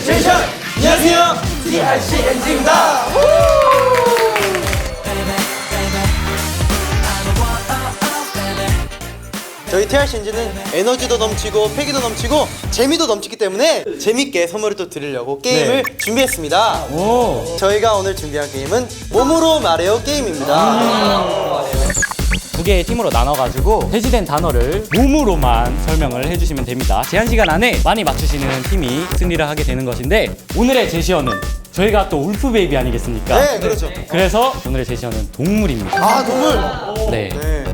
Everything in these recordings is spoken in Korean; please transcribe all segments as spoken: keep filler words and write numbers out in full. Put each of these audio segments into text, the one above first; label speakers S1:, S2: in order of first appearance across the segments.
S1: 센션! 안녕하세요, 티알씨엔지입니다. 저희 티알씨엔지는 에너지도 넘치고 패기도 넘치고 재미도 넘치기 때문에 재밌게 선물을 또 드리려고 게임을 네. 준비했습니다. 오. 저희가 오늘 준비한 게임은 몸으로 말해요 게임입니다. 음.
S2: 두 개의 팀으로 나눠가지고 제시된 단어를 몸으로만 설명을 해주시면 됩니다. 제한 시간 안에 많이 맞추시는 팀이 승리를 하게 되는 것인데, 오늘의 제시어는 저희가 또 울프 베이비 아니겠습니까?
S1: 네, 그렇죠.
S2: 그래서 오늘의 제시어는 동물입니다.
S1: 아, 동물.
S2: 네.
S1: 네.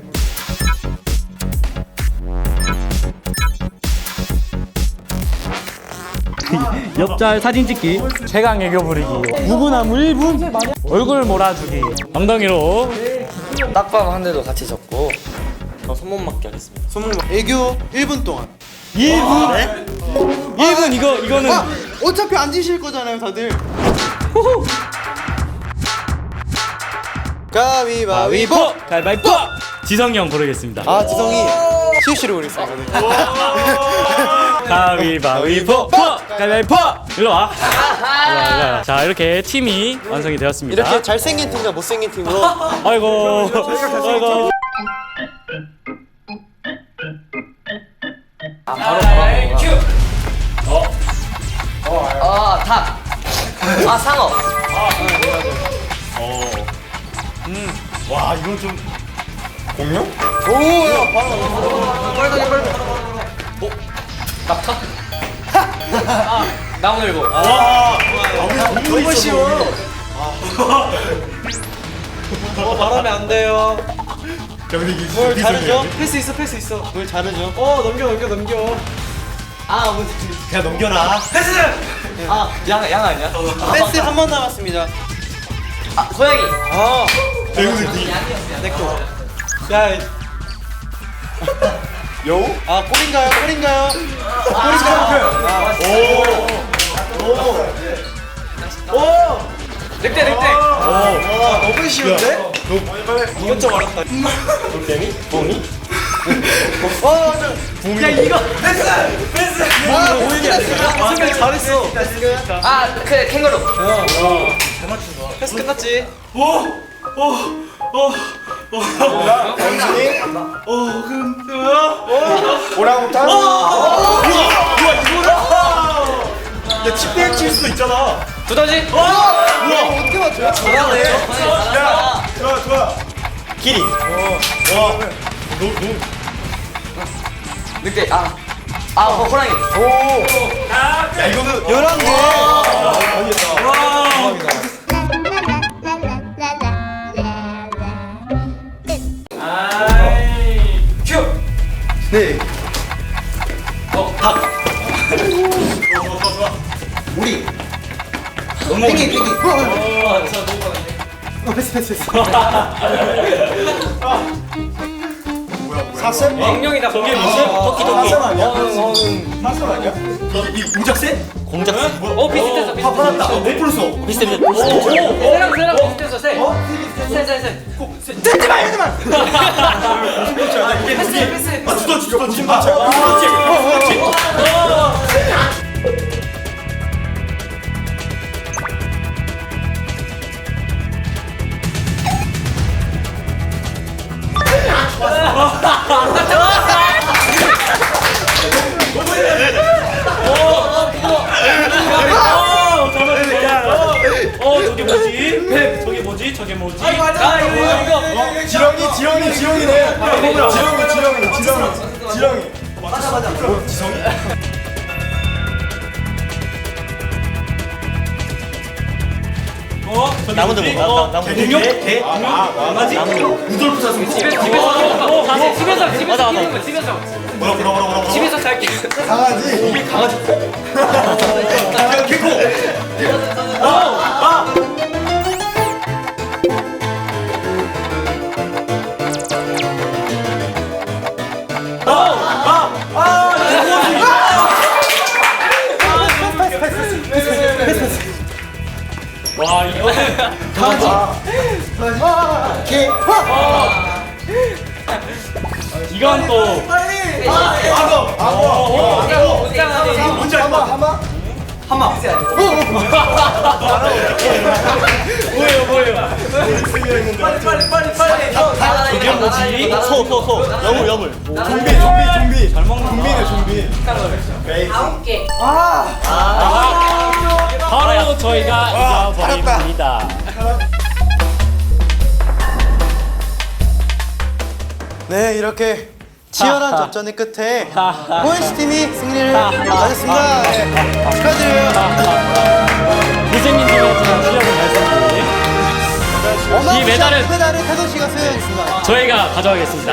S2: 옆잘 사진 찍기, 최강 애교 부리기, 무분함 일 분, 얼굴 몰아주기, 엉덩이로
S3: 딱밤 한 대도 같이 적고 저 손목 맞기 하겠습니다.
S1: 선물 애교 일 분 동안.
S2: 일 분? 네? 일 분 이거, 이거는
S1: 아, 어차피 앉으실 거잖아요, 다들. 가위바위보.
S2: 가위바위보! 지성이 형 고르겠습니다.
S1: 아, 지성이 실시로 고르겠습니다.
S2: 가위바위보! 가위바위보! 일로 와. 일로 와, 일로 와. 자, 이렇게 팀이 완성이 되었습니다.
S1: 이렇게 잘생긴 팀과 못생긴 팀으로.
S2: 아이고, 아이고.
S3: 아 바로 바로 큐. 어. 어. 아 닭. 아 상어.
S4: 와 이건 좀 공룡?
S1: 오, 야, 바로.
S3: 빨리 빨리. 어. 낙타. 아 나무늘보.
S4: 와
S1: 너무 쉬워. 어, 말하면 안 돼요.
S4: 근데 이게
S1: 뭘
S4: 어디서
S1: 자르죠?
S4: 해야 돼?
S1: 패스 있어, 패스 있어. 뭘 자르죠? 어, 넘겨, 넘겨, 넘겨. 아, 뭐.
S4: 그냥 넘겨라.
S3: 아양 양 아니야?
S1: 패스 한 번 남았습니다.
S3: 아 고양이.
S1: 아,
S4: 배우들이
S1: 내 거. 야,
S4: 여우?
S1: 아, 꼴인가요? 꼴인가요?
S3: 늑대 늑대.
S1: 와, 너무 쉬운데?
S4: 너
S1: 이건 좀 어렵다.
S4: 돌덩이? 뽕이?
S1: 어, 야, 이거 패스! 패스! 아, 오히려 승리 잘했어.
S3: 아그 캥거루.
S1: 패스 끝났지?
S4: 원숭이?
S1: 어, 근데 뭐야?
S4: 오랑우탄? 우와! 우와 이거는? 야 칩백 칠 수도 있잖아.
S3: 두더지.
S4: 우와!
S1: 어떻게 맞춰요? 잘하네.
S4: 야 좋아 좋아. 기린. 와. 너 너.
S3: 늑대. 아. 아 호- 호랑이.
S4: 야 이거는
S1: 열한 개.
S3: 큐.
S1: 네.
S3: 어 닭.
S1: 우리.
S3: penguin 펭귄.
S1: 어, 패스, 패스, 패스. 사슴?
S3: 공룡이다.
S2: 저게
S3: 공룡.
S2: 무슨?
S3: 토끼 토끼.
S4: 사슴 아니야? 사슴 아니야? 이, 이 공작새?
S3: 공작새. 어 비슷했어 비슷했어.
S4: 화났다. 못 풀었어.
S3: 비슷해 비슷해. 새랑 새랑 비슷했어 새. 새새 새.
S4: 듣지 마, 듣지 마. 이게
S3: 패스
S4: 이게
S3: 패스.
S4: 아 두더지 두더지. 아 두더지. 두더지.
S2: 어, 저게 뭐지? 저게 뭐지? 저게 뭐지?
S3: 아 이거 이거.
S4: 지렁이 지렁이 지렁이네. 지렁이 지렁이 지렁이 지렁이. 맞아 맞아. 지렁이?
S2: 어?
S1: 나무도 못
S2: 어,
S1: 나무.
S2: 공룡?
S4: 개? 아, 강아지?
S2: 루돌프 사슴.
S3: 집에서 집에서 집에서 집에서 키우는 거 집에서
S4: 뭐라 뭐라 뭐라 뭐라.
S3: 집에서 살게.
S4: 강아지. 이게 강아지. 개코.
S2: 와, 이거는
S1: 개.
S2: 이건 또
S4: 악어. 악어.
S3: 옷장안에
S4: 뭔지 알까? 하마 하마.
S3: 한마.
S2: 뭐예요 뭐예요?
S3: 빨리 빨리 빨리 빨리.
S2: 이게 뭐지?
S4: 소, 소, 소. 여물, 여물. 좀비, 좀비, 좀비. 잘 먹는 좀비네, 좀비.
S3: 아홉 개.
S2: 바로 저희가 이겨버립니다.
S1: 네, 이렇게 치열한 접전의 끝에 호연씨 팀이 승리를 가졌습니다. 네, 축하드려요.
S2: 고생님 팀이었지만 실력은 발생기. 이 메달은
S1: 이 메달을 태도 씨가 수여하겠습니다.
S2: 저희가 가져가겠습니다.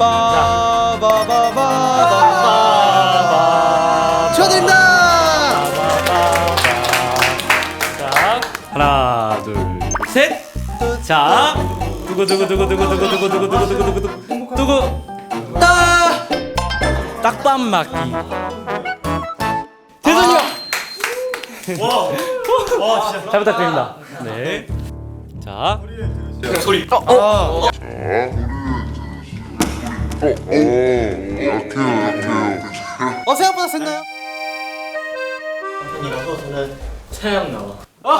S1: 빠바바바바 축하드립니다.
S2: 자, 하나, 둘, 셋. 자, 두구 두구 두구 두구 두구 두구 두구 두구 두구 두구 두구 두구 따 딱밤 맞기. 대전이요. 잘 부탁드립니다. 네. 자,
S3: 소리.
S1: 어, 생각보다 셌나요?
S2: 태양 나와.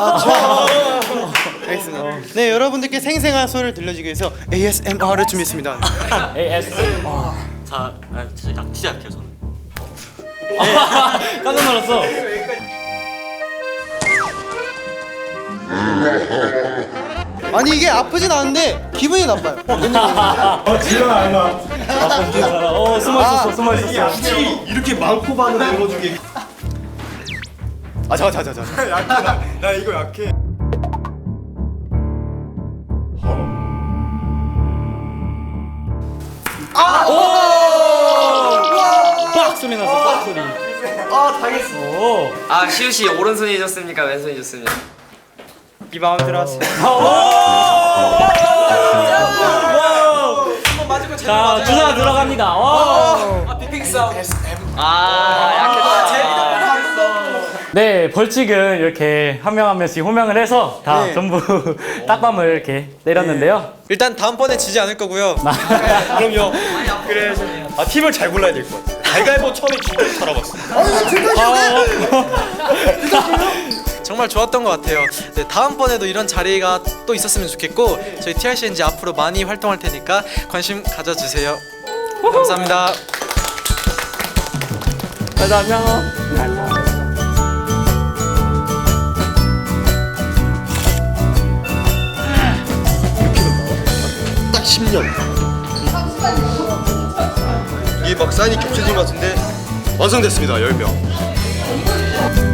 S1: 알겠습니다. 네, 여러분들께 생생한 소리를 들려주기 위해서 에이에스엠알을 준비했습니다.
S2: 에이에스.
S5: 자, 아, 진짜 약 진짜 약해요 저는.
S2: 깜짝 놀랐어.
S1: 아니 이게 아프진 않은데 기분이 나빠요.
S4: 어, 지금 알마.
S2: 어, 숨어 있었어, 숨어 있었어.
S4: 확실히 이렇게 많고 반을 들어주게. 아, 잠깐, 잠깐, 잠깐. 약해, 나, 나 이거 약해.
S2: 빡 소리 났어, 빡 소리.
S4: 아, 당했어.
S2: 오.
S3: 아 시우 씨 오른손이 좋습니까? 왼손이 좋습니까?
S1: 이 마음 들어왔어요.
S2: 자, 주사 들어갑니다. 와.
S3: 빅 싸움. 아 약했다.
S2: 네, 벌칙은 이렇게 한 명 한 명씩 호명을 해서 다
S1: 네.
S2: 전부 딱밤을 이렇게 때렸는데요.
S1: 일단 다음번에 지지 않을 거고요.
S4: 그럼요. 그래. 아, 팀을 잘 골라야 될 것 같아. 갈갈보 처음에 주먹 살아봤어.
S1: 정말 좋았던 것 같아요. 네, 다음번에도 이런 자리가 또 있었으면 좋겠고 저희 티알씨엔지 앞으로 많이 활동할 테니까 관심 가져주세요. 감사합니다.
S2: 자, 안녕.
S4: 딱 십 년. 이게 막 사인이 겹쳐진 것 같은데 완성됐습니다. 열 명.